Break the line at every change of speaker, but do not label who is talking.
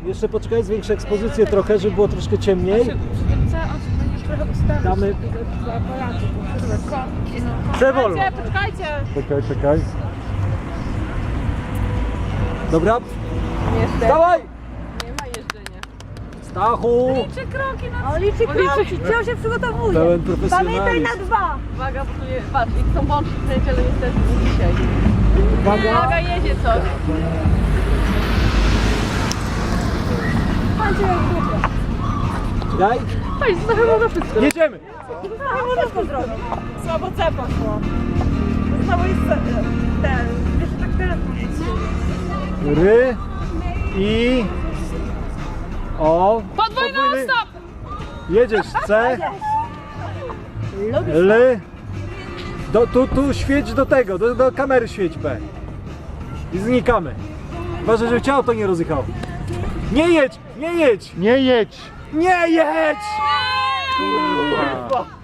Jeszcze poczekaj, zwiększę ekspozycję trochę, żeby było troszkę ciemniej. Damy... C wolno.
Poczekajcie!
Czekaj. Dobra. Dawaj!
Nie ma jeżdżenia.
Stachu!
Liczy kroki na...
O, liczy kroki, gdzie się przygotowuje.
Pełen
Pamiętaj
profesjonalizm.
na 2.
Uwaga, bo tu nie... Patrz, i są bączki kręci, ale niestety nie dzisiaj.
Uwaga!
Uwaga, jedzie coś.
Patrzcie jak długo.
Daj!
Chodź, trochę mogę wszystko.
Jedziemy!
No, wszystko zrobić.
Słabo C poszło.
Znowu jest ten, wiesz, tak telefon.
Ry i o.
Podwójny stop!
Jedziesz C. L. Tu świeć do tego, do kamery świeć P. I znikamy. Uważaj, żeby ciało to nie rozjechało. Nie jedź! Nie jedź!
Nie jedź!
Nie jedź! Kurwa!